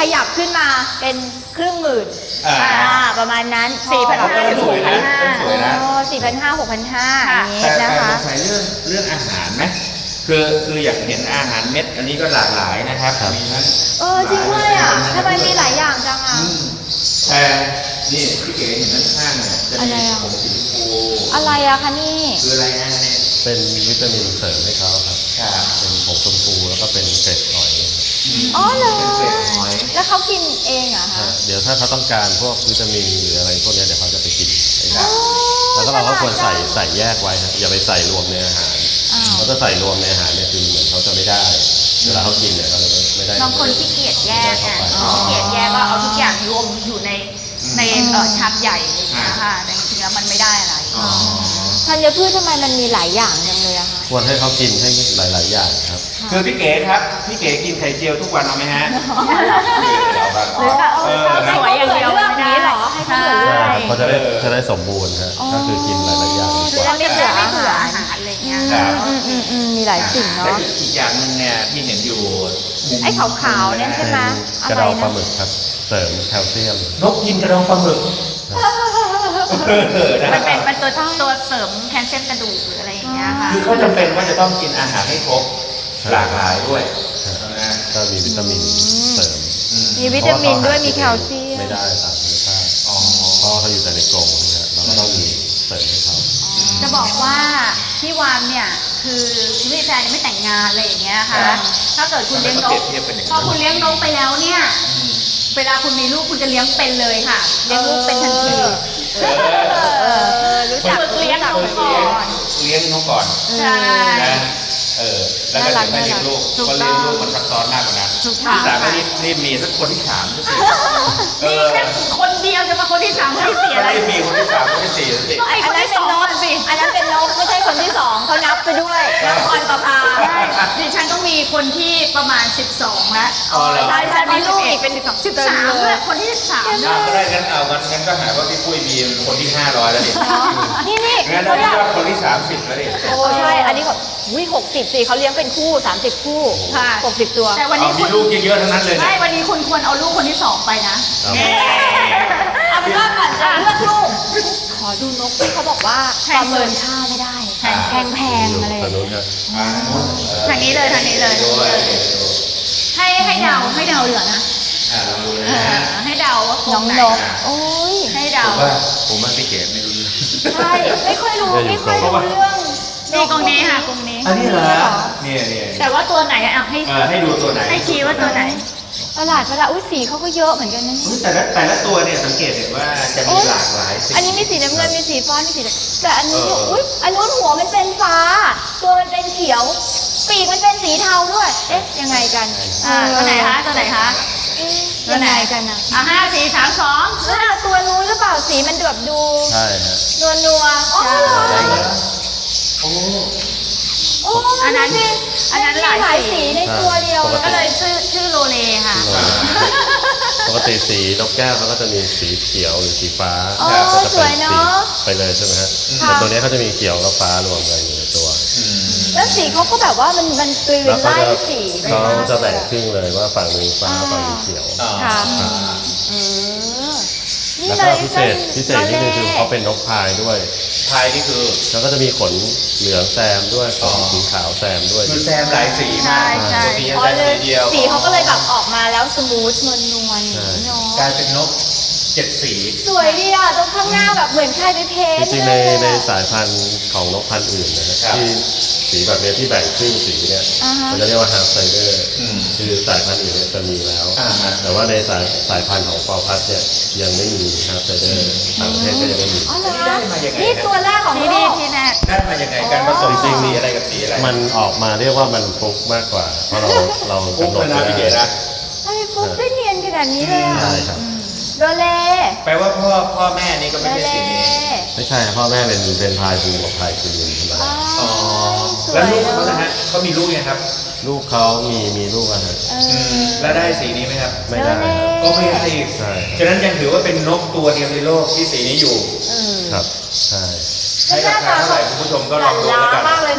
C: ขยับขึ้นมาเป็นครึ่งหมื่น
A: อ่า
C: อ่าประมาณนั้น
B: สี่พันห้า
A: ก็สวยนะก็สวยนะ
C: อ๋อสี่พันห้าหกพันห้าอย่างนี้
A: แต่
C: นะ
A: แต่
C: คะ
A: สงสัยเรื่องเรื่องอาหารไหมคือคืออยากเห็นอาหารเม็ดอันนี้ก็หลากหลายนะครับมีทั้ง
C: เออจริงด้วยอ่ะทำไมมีหลายอย่างจังอ่ะ
A: อืมแต่นี่พี่เก๋เห็นด้านข้างเนี่ยจะ
C: อะไร
A: มี
C: อ่ะ
A: ผงสีชมพู
C: อะไรอะคะนี่
A: คืออะไรฮะเนี่ย
D: เป็นวิตามินเสริมให้เขาครับ
A: ครับ
D: เป็นผงชมพูแล้วก็เป็นเกล็ดหอยครับ
C: อ๋อเหรอ
A: เป็นเกล็ดหอย
C: แล้วเขากินเองเหรอคะ
D: อ่าเดี๋ยวถ้าเขาต้องการพวกวิตามินหรืออะไรพวกเนี้ยเดี๋ยวเขาจะไปกินเอง
C: อ๋อ
D: แล้วก็เราก็ควรใส่ใส่แยกไว้ครับอย่าไปใส่รวมในอาหาร
C: อ้าว
D: เพราะถ้าใส่รวมในอาหารเนี่ยคือเหมือนเขาจะไม่ได้ เวลาเขากินเนี่ยเขาจะไม่ได้
B: บางคนขี้เกียจแยกอ่ะ
D: อ๋อ
B: ขี้เกียจแยกก็เอาทุกอย่างรวมอยู่ในในเอ่อชามใหญ่อะไรอย่างเงี้ยค่ะแต่จริงๆแล้วมันไม่ได้อะไร
A: อ๋อ
C: ธัญพืชทำไมมันมีหลายอย่างจังเลยอะคะ
D: ควรให้เขากินให้หลาย ๆ อย่างครับ
A: คือพี่เก๋ครับพี่เก๋กินไข่เจียวทุกวันเอาไหมฮะ
C: หรือเออ
B: สวยอย่างเดียว
C: เลือกนี้เหรอให้เขาเหลือ
B: ใช่
C: เลือก
D: เขาจะได้จะได้สมบูรณ์ครับก็คือกินหลาย ๆ อย่าง
B: คือเราไม่เบื่อไม่เบื่ออาหารอะไรอย่างเงี้ย
A: ครั
B: ค่ะ
A: บ
C: อืมอืมอืมมีหลายสิ่ง
A: และ
C: เนาะ
A: อีกอย่างหนึงเนี่ยที่เห็นอยู่มุม
C: ไอ้ขาวๆเนี่ยใช่ไหม
D: กระดองปลาหมึกครับ เสริมแคลเซียม
A: นกกินกระดองปลาหมึกเออนะ
B: มันเป็นมันตัวตัวเสริมแคลเซียมกระดูกหรืออะไรอย่างเงี้ยค่ะ
A: คือเขาจำเป็นว่าจะต้องกินอาหารให้ครบหลากหลายด้วยนะ
D: ก็มีวิตามินเสริม
A: อืม
C: มีวิตามินด้วยมีแคลเซียม
D: ไม่ได้ตามธรรมชาติ
A: อ๋อ
D: เพราะเขาอยู่แต่ในกรงนะเราก็ต้องมีเสริมให้เขา
B: จะบอกว่าพี่วานเนี่ยคือคุณพี่แฟนยังไม่แต่งงานอะไรอย่างเงี้ยค่ะ ถ้าเกิดคุณเลี้ยงนกพอคุณเลี้ยงนกไปแล้วเนี่ย เวลาคุณมีลูกคุณจะเลี้ยงเป็นเลยค่ะ เลี้ยงลูกเป็นทันที
A: เออ
C: เออรู้จัก
B: ฝึกเลี้ยง
C: รู้จัก
B: นกก่อน
A: เลี้ยงนกก่อน
B: ใช่
A: นะเออแล้วก็
C: น่ารัก
A: จะไม่เลี้ยงลูก
B: ถูก
A: เพราะ
B: ต้
A: เลี้
B: อย ง
A: งลูกมันซับซ้อนมากกว่านั้น
B: ถูกต้อง
A: ที่สามก็รีบรีบมีสักคนที่สามสักทีเอ
B: นี่
A: อ
B: แค่คนเดียวจะมาคนที่สามคนที่สี่อะไร
A: ไม่มีคนที่สามคนที่สี่สักที
B: ก็ไอ้คนที่สองอะสิ
C: อันนั้นเป็นนกไม่ใช่คนที่สองเขานับไปด้วยนับออนประภา
B: ใช่ดิฉันต้องมีคนที่ประมาณสิบสองแล้ว
A: อ๋อเหรอ
B: ใช่ฉันมีลูกอีกเป็นสิบสองสิบสามเลยคนที่สิบสาม
A: อ่าก็ได้งั้นเอางั้นงั้นก็หาว่าพี่ปุ้ยมีคนที่ห้าร้อยแล้วดิ
C: นี่นี่
A: งั้น
C: เขา
A: ได้
C: อยาก
A: ว่าคนที่สามสิบแล้วดิ
C: โอ้ใช่ อันนี้เขาวิหกสิบสี่เขาเลี้ยงเป็นคู่สามสิบคู่
B: ค่ะ
C: หกสิบตัว
B: แต่วัน
A: เอา
B: นี้
A: มี
B: คุณ
A: ลูกเยอะๆทั้งนั้นเลย
B: ไม่
A: นะ
B: วันนี้คุณควรเอาลูกคนที่สองไปนะ
D: ครับ
B: เอ๊ะ
C: เอาเป็นว่าก่อนจะเลือกลูก ขอดูนกที่เขาบอกว่า
B: แพ
C: ป
B: ง
C: ระเมินค่าไม่ได้
B: แพง
C: แพงแพงๆอะไรอ
D: ทา
C: ย่าง ง
D: นู้
C: เงี้
D: น
C: ย
D: ครับ
A: อ่า
B: ทางนี้เลยทางนี้เลย
A: ด้วย
B: ให้ให้เดาให้เดาเหลือนะ
A: อ่าลองดูเลย
B: เอ
A: นะ
B: อให้เดาว่าค
C: น้อง
B: ไห
C: นก โอ้ย
B: ให้เดา
A: ผมว่าผมว่าพี่เก๋ไม่รู้เรื่อง
C: ใช่ ไม่ค่อยรู้ ไม่ค่อยรู้เรื่อง
B: นี่กรงนี้ค่ะกรงนี้
A: อันนี้เหรอเนี่ยเนี่ย
B: แต่ว่าตัวไหนอะอ่ะให้
A: เออให้ดูตัวไหน
B: ให้ชี้ว่าตัวไหน
C: ประหลาดประหลาดอุ้ยสีเขาก็เยอะเหมือนกันนะ
A: อุ๊ยแต่ละแต่ละตัวเนี่ยสังเกตเห็นว่าจะมีหลากหลายสี
C: อันนี้มีสีน้ำเงิน มีสีฟ้า มีสีแดงแต่อันนี้
A: เออ
C: อุ้ยอันนู้นหัวมันเป็นฟ้า ตัวมันเป็นเขียว ปีกมันเป็นสีเทาด้วย เอ๊ะ ยังไงกัน
B: อ่าตัวไหนคะตัวไหนคะ
C: เอ๊ะยังไงกันนะ
B: อ่ะห้าสี่สามสอง
C: อ่าตัวนู้นหรือเปล่า สีมันแบบดู
D: ใช่ฮะ
C: นัวนัวๆอ๋อเหรอ
A: ได้เหรอโอ้
C: โอ้
B: อันนั้นอันนั้นหลาย
C: หลาย
B: สี
C: สีในตัวเดียว
D: ปก
B: ก็
D: ติ
B: เลยชื่อชื่อโลเลค่ะ
D: ปกติสีนกแก้วเขาก็จะมีสีเขียวหรือสีฟ้า
C: อ๋อ
D: ก็จะ
C: ส
D: เป็
C: วน ย
D: สี
C: เนาะ
D: ไปเลยใช่ไหมฮะ
C: ค่ะ
D: แต่ตัวเนี้ยเขาจะมีเขียวกับฟ้ารวมกันอยู่ในตัว
A: อืม
C: แล้วสีเขาก็แบบว่ามันมันกลืน
D: แล้วเขา
C: ไล่
D: จะ
C: สีไป
D: เขา
C: มาก
D: จะ
C: เล
D: แบ่
C: ย
D: ง
C: อะ
D: ครึ่งเลยว่าฝั่งหนึงฟ้าฝั่งหนึงเขียว
A: อ่า
C: ค่ะ
A: อ่า
C: เออนี่
D: แล้ว
C: เล
D: ก็
C: ย
D: พิเศษพิเศษที่นึงคือเขาเป็นนกพายด้วย
A: พายนี่คือ
D: แล้วก็จะมีขนเหลืองแซมด้วยข
A: อ๋อ
D: นสีขาวแซมด้วย
A: คือแซมหลายสีมาก
B: ใช่
A: ตัวนี้
C: อ๋อ
A: แซม
C: เล
A: สี
C: ย
A: เดียว
C: สีเขาก็เลยแบบออกมาแล้วสมูทนวลนวลๆอย่างนี้เนาะ
A: กลายเป็นนกเจ็ดสี
C: สวยดีอ่ะตรงข้างหน้าแบบเหมือนใครไปเพ้น
D: จ
C: ท์
D: ริงๆ
C: เล
D: ใน
C: ย
D: ใน
C: อะ
D: สายพันธุ์ของนกพันธุ์อื่นนะฮะ
A: ครับ
D: ที่สีแบบเนี้ยที่แบ่งครึ่งสีเนี่ย
C: อ่าฮะ
D: มันจะเรียกว่าฮาร์ฟไซเดอร์
A: อืม
D: คือสายพันธุ์อื่นเนี่ยจะมีแล้ว
A: อ่าฮะ
D: แต่ว่าในสายสายพันธุ์ของปอพัดเนี่ยยังไม่มีฮาร์ฟไซเดอร์ต่างประเทศก็ยังไม่มี
C: อ๋อเหรอ
A: ได้มายังไง
C: นี่ตัวแรกของ
B: นี่
C: โล
B: นี่
C: ก
B: ที่แรก
A: ได้มายังไงการผสมสีอะไรกับสีอะไร
D: มันออกมาเรียกว่ามันฟลุกมากกว่า เพราะเราเรา
A: ปุ๊บ
D: กำหน
A: เล
D: ด
A: ยนะพี่เก๋นะ
C: ทำไมฟุ๊กได้เนียนขนาดนี้เลยอ่ะ
D: ใช่ครับ
C: โดเล
A: แปลว่าพ่อพ่อแม่นี่ก็
C: โด
A: ไม่ใช่
C: เล
A: สีนี้
D: ไม่ใช่พ่อแม่เป็นเป็นพายบูกับพายกรีนธรรม
C: อ๋อ
D: ดา
A: อ๋อ
C: สว
A: แล้ว
C: ย
A: ลูก
C: เน
A: เขานะ
C: อะ
A: ฮะเขามีลูกยังครับ
D: ลูกเขามีมีลูกอะฮะ
C: เอ
A: อื
C: อ
A: มแล้วได้สีนี้ไหมครับ
D: ไม่ได้ครับ
A: ก็ไม่ได้อีก
D: ใช่
A: ฉะนั้นยังถือว่าเป็นนกตัวเดียวในโลกที่สีนี้อยู่
C: เออ
D: ครับใช่
A: ให้ราคาเท่าไหร่คุณผู้ชมก็ลองดู
C: ห
A: แล้ว
C: ลา
A: กัน
C: มากเลย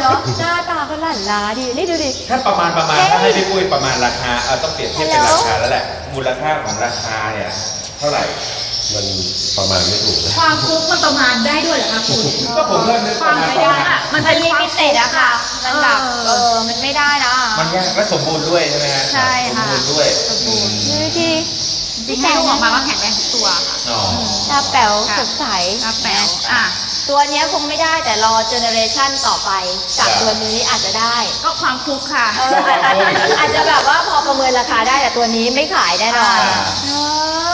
C: เนาะหน้าตาก็หลั่นล้าดีนี่ดูดิ
A: ถ้าประมาณประมาณ
C: เฮ้ย
A: ถ้าให้พี่ปุ้ยประมาณราคาเอาต้องเปรียบเทียบเป็น
C: Hello
A: ราคาแล้วแหละ มูลค่าของราคาเนี่ยเท่าไหร่
D: มันประมาณไม่ถูกนะ
B: ความฟุกมันประมาณได้ด้วยเหรอคะคุณ
A: ก็ผมเริ่มนึกประมาณ
B: ความ
A: ประ
B: ยา
A: มาณ
B: กอะมัน
C: มัน
B: เป็น
C: ลิ
B: ความ
C: มิเต็ดอะค่ะ มันแบบ
B: เอ
C: เอ
B: อ
C: อ มันไม่ได้นะ
A: มันยากและสมบูรณ์ด้วยใช่ไหมฮะ
B: ใช่ค่ะ
A: สมบูรณ์ด้วยอืม
C: ดูดิ
B: จริงๆให้ลูกออกมาว่าแข็งแรงทุกตัวค่ะ
A: อ๋อ
C: ตาแป๋ว
B: ค่ะ
C: สดใส
B: กระแป๋วอ่ะ
C: ตัวเนี้ยคงไม่ได้แต่รอเจเนอเรชันต่อไปจากตัวนี้อาจจะได้
B: ก็ความฟุกค่ะ
C: เอออาจจะอาจจะแบบว่าพอประเมินราคาได้แต่ตัวนี้ไม่ขายแน่นอน
A: อ่า
C: เนอะ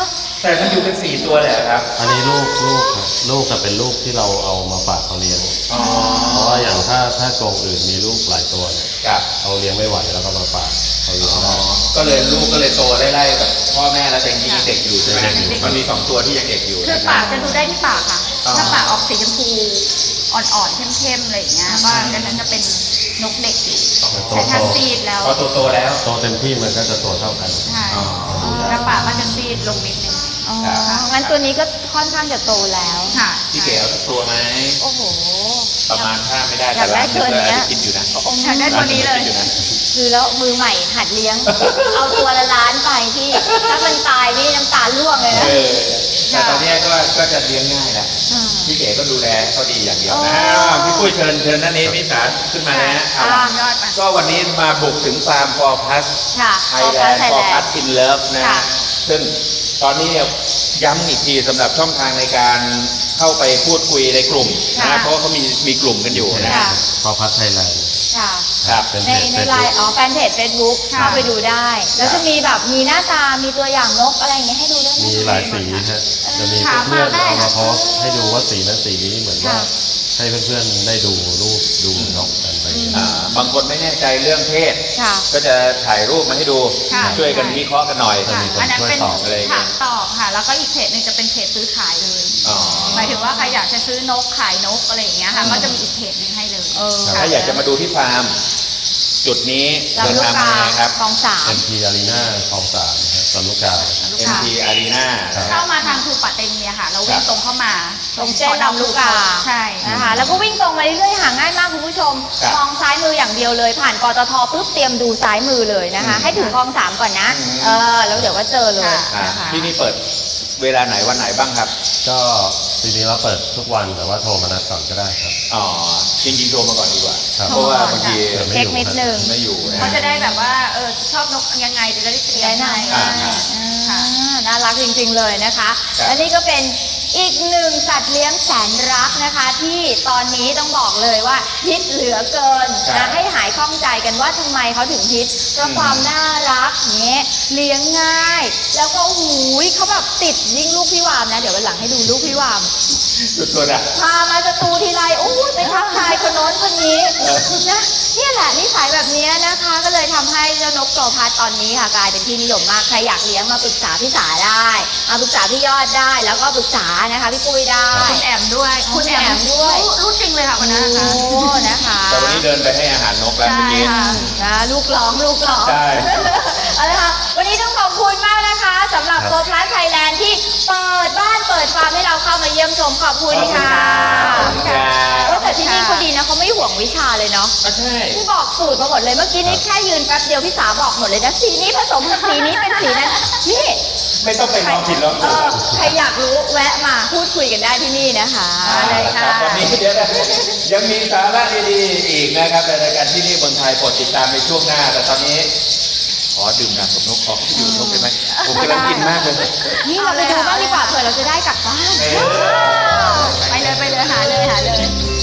A: แต่มันอยู่เป็นสี่ตัวเลยเหรอครับ
D: อันนี้ลูกลูกครับลูกจะเป็นลูกที่เราเอามาฝากเขาเลี้ยง
A: อ๋อ
D: เพราะว่าอย่างถ้าถ้ากรงอื่นมีลูกหลายตัวเนี่ย
A: ครับ
D: เขาเลี้ยงไม่ไหวแล้วก็มาฝากเขาเลี้ยง
A: อ๋อ
D: ได้
A: ก็เลยลูกก็เลยโตไล่ๆกับพ่อแม่แล้วแต่จริงๆเด็กอยู่ใช่ไหม
D: เด็กอยู่
A: มันมีสองตัวที่ยังเด็กอยู่
B: คือ
A: นะค
B: ปา
A: รั
B: ก
A: บ
B: จะดูได้ที่ปากค่ะ
A: อ๋อ
B: ถ้าปากออกสีชมพูอ่อนๆเข้มๆอะไรอย่างเงี้ยว่าดังนั้นจะเป็นนกเด็กอยู่
D: โต
B: แต่
D: โต
B: ถ้าซีดแล้ว
A: พอโตๆแล้ว
D: โตเต็มที่มันก็จะตัวเท่ากัน
B: ใช่
A: อ๋อ
B: ถ้าปากก็จะซีดลงนิดนึง
C: อ๋อ
A: ครับ
C: งั้นตัวนี้ก็ค่อนข้างจะโตแล้ว
B: ค่ะ
A: พี่เก๋เอาสักตัวไหม
C: โอ้โห
A: ประมาณถ้าไม่ได้
C: อยากได้
A: แต่ร้าน
C: ตัวเนี้ย
A: อาจจะคิดอยู่นะ
B: อยากได้ตัวนี้เลย
A: ร้าอาจจะคิดอยู่นะ
C: คือแล้วมือใหม่หัดเลี้ยง เอาตัวละล้านไปที่ ถ้ามันตายนี่น้ำตาล่วงเลยนะ
A: เออแต่ตอนเนี้ยก็ก็จะเลี้ยงง่ายแหละ
C: อืม
A: พี่เก๋ก็ดูแลเขาดีอย่างเดียวนะ
C: อ๋อ
A: อ้าวพี่ปุ้ยเชิญเชิญนั่นนี้พี่สารขึ้นมานะเอา
C: อ่า
B: ยอดไป
A: ก็วันนี้มาบุกถึงฟาร์มฟอร์พัส
C: ค่ะ
A: ไทยแลนด์
C: ไทย
A: ฟอ
C: แล
A: ร์พั
C: น
A: ส
C: ด์
A: อินเลิฟนะ
C: ค่ะ
A: ซึ่งตอนนี้เนี่ยย้ำอีกทีสำหรับช่องทางในการเข้าไปพูดคุยในกลุ่ม
C: ค่ะ
A: นะเพราะว่าเขามีมีกลุ่มกันอยู่นะ
C: ค่ะ
D: พอพัฒไทยแลนด์
C: ค่ะ
A: ครับ
D: เป็น
C: ใน
D: เพจ
C: ใน
D: เฟซ
C: ไล
D: บุ๊ก
C: น์อ๋อแฟนเพจเฟซบุ๊ก
B: ค่ะ
C: เข้าไปดูได้ แล้วจะมีแบบมีหน้าตา มีตัวอย่างนกอะไรอย่างเงี้ยให้ดูด้วยไหม
D: มีหลายสีฮะจะมี
B: ถาม
D: เพื่อน
B: มาได้
D: ๆเอามา
B: ค่ะ
D: โพสต์ให้ดูว่าสีนั้นสีนี้เหมือนว่า
C: ค่ะ
D: ให้เพื่อนๆได้ดูรูปดูนกกันไป
A: อ่าบางคนไม่แน่ใจเรื่องเพศ
C: ค่ะ
A: ก็จะถ่ายรูปมาให้ดู
B: ค่ะ
A: ช่วยกันวิเคราะห์กันหน่อย
B: ค่ะ
D: มีคน
B: อันนั้น
D: ช่วย
B: เป็น
D: ตอบ
A: อะไรอย่างเงี้
B: ถาย มตอบค่ะ แล้วก็อีกเพจหนึ่งจะเป็นเพจซื้อขายเลย
A: อ๋อ
B: หมายถึงว่าใครอยากจะซื้อนกขายนกอะไรอย่างเงี้ยค่ะ ก็จะมีอีกเพจหนึ่งให้เลย
C: เออ
A: ถ้าอยากจะมาดูที่ฟาร์ม จุดนี้
C: ลำ
A: เดิน
C: ลูก
A: ทาง
C: กา
A: มาไงครับ
C: คลองสาม
D: เอ็มพีอารีนาคลองสามครับลำลูกกา
B: ลูก
A: เอ็ม
B: ค้า
A: พี Arena
D: ครับ
B: เข้ามาทางทูปัตเตเมียค่ะ เราวิ่งตรงเข้ามา
C: ตรงเส้นลำลูกกา
B: ใช่
C: นะคะ แล้วก็วิ่งตรงมาเรื่อยๆหาง่ายมากคุณผู้ชม
A: ครับ
C: มองซ้ายมืออย่างเดียวเลย ผ่านปตทปุ๊บเตรียมดูซ้ายมือเลยนะคะ
A: อืม
C: ให้ถึงคลองสามก่อนนะ
A: อืม
C: เออ แล้วเดี๋ยวก็เจอเลย
A: อ่า
C: นะคะ
A: ที่นี่เปิดเวลาไหนวันไหนบ้างครับ
D: ก็จริงๆเราเปิดทุกวันแต่ว่าโทรมานัดก่อนก็ได้ครับ
A: อ๋อ จริงๆโทรมาก่อนดีกว่า
D: ครับ
A: เพราะว่าบางที
D: เผื่อไม่
C: เช็ค
D: อยู่
C: นิด
D: ครับ
C: นึง
A: ไม่อยู่นะ
B: เขาจะได้แบบว่าเออชอบนกยังไงจะได้เตรีย
C: ได้
B: ม
C: หน่
B: ให้
C: อย
A: อ่า
C: อ่าน่ารักจริงๆเลยนะคะ
A: ครับ
C: และนี่ก็เป็นอีกหนึ่งสัตว์เลี้ยงแสนรักนะคะ ที่ตอนนี้ต้องบอกเลยว่าฮิตเหลือเกิน
A: ครั
C: นะ
A: บ
C: ให้หายข้องใจกันว่าทำไมเขาถึงฮิตเพราะ
A: อืม
C: ความน่ารักเนี้ยเลี้ยงง่าย แล้วก็หูยเขาแบบติดยิ่งลูกพี่วามนะ เดี๋ยววันหลังให้ดูลูกพี่วาม
A: สุดๆอ่ะ
C: พามาสตูทีไรโอ้ยไปทักทายคนโน้นคนนี้
A: เออ
C: นะเนี่ยแหละนิสัยแบบนี้นะคะ ก็เลยทำให้เจ้านกโตพัดตอนนี้ค่ะกลายเป็นที่นิยมมากใครอยากเลี้ยงมาปรึกษาพี่สาได้มาปรึกษาพี่ยอดได้ แล้วก็ปรึกษานะคะพี่ปุ้ยได้
B: คุณแอมด้วย
C: คุณแอมด้วย
B: รู้รู้จริงเลยค่ะวันนั้นนะคะ
C: โอ้นะคะ
A: แต่วันนี้เดินไปให้อาหารนกแล้วเมื่อกี้
B: ใช่ค่ะ
C: นะลูกร้องลูกร้อง
A: ใช่
C: เอาละค่ะวันนี้ต้องขอบคุณมากนะคะสำหรับ
D: ครับ
C: โกพลัสไทยแลนด์ที่เปิดบ้านเปิดฟาร์มให้เราเข้ามาเยี่ยมชมขอบคุณค่ะ
A: ขอบคุณครับ
C: เออแต่ที่นี่เขาดีนะเขาไม่ห่วงวิชาเลยเนาะ
A: อ่ะใช่
C: ที่บอกสูตรมาหมดเลยเมื่อกี้นี้แค่ยืนแป๊บเดียวพี่สาบอกหมดเลยนะสีนี้ผสมกับสีนี้เป็นสีนั้นนี่
A: ไม่ต้องไปลองผิดลอง
C: เอ
A: ถูก
C: อใครอยากรู้แวะมาพูดคุยกันได้ที่นี่นะคะ
A: เอา
C: เลย
A: ละค
C: ค่ะ
A: รับวันนี้เดี๋ยวนะยังมีสาระดีๆอีกนะครับในรายการที่นี่เมืองไทยโปรดติดตามในช่วงหน้า แต่ตอนนี้ ขอดื่มน้ำกับนกขอดื่มนกได้ไหมผมกำลังกินมากเลย
C: นี่เราไปดูบ้างดีกว่าเผื่อเราจะได้กลับบ้าน
A: เออ
B: ไปเลยไปเลยหาเลยหาเลย